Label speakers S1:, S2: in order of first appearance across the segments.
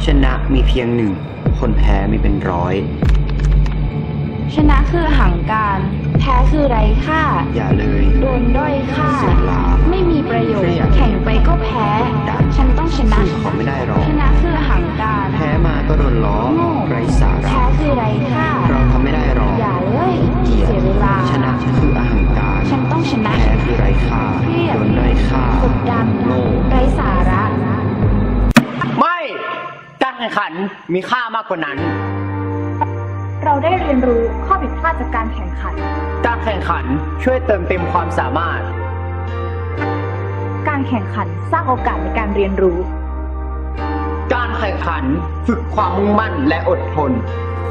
S1: นะมีเพียงหนึ่งคนแพ้มีเป็นร้อย
S2: ชนะคือหังการ แพ้คือไร้ค่า
S1: อย่าเลย
S2: โดนด้อยค่า
S1: เสียหลา
S2: ไม่มีประโยช
S1: เครี
S2: น์
S1: ยด
S2: แข่งไปก็แพ้
S1: ดัน
S2: ฉันต้องชนะ
S1: สู้เขาไม่ได้หรอก
S2: ชนะคือหังการ
S1: แพ้มาก็โดนล้อ
S2: โง่
S1: ไร้สาระ
S2: แพ้คือไร้ค่า
S1: เราทำไม่ได้หรอก
S2: อย่าเลย
S1: เกลียด
S2: เสียเวลา
S1: ชนะคืออหังการ
S2: ฉันต้องชนะ
S1: แพ้คือไร้ค่า
S2: เครียด
S1: โดนด้อยค่าก
S2: ดดัน
S1: โง่
S2: ไร้สาระ
S1: ไม่การแข่งขันมีค่ามากกว่านั้น
S2: เราได้เรียนรู้ข้อผิดพลาดจากการแข่งขัน
S1: การแข่งขันช่วยเติมเต็มความสามารถ
S2: การแข่งขันสร้างโอกาสในการเรียนรู้
S1: การแข่งขันฝึกความมุ่งมั่นและอดทน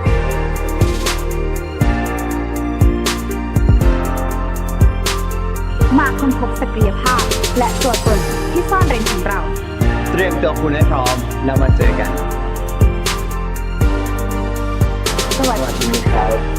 S2: มาค้นพบศักยภาพและตัวตนที่ซ่อนเร้นของเรา
S1: เตรียมตัวคุณให้พร้อมแล้วมาเจอกัน
S2: สวัสดี
S1: ครับ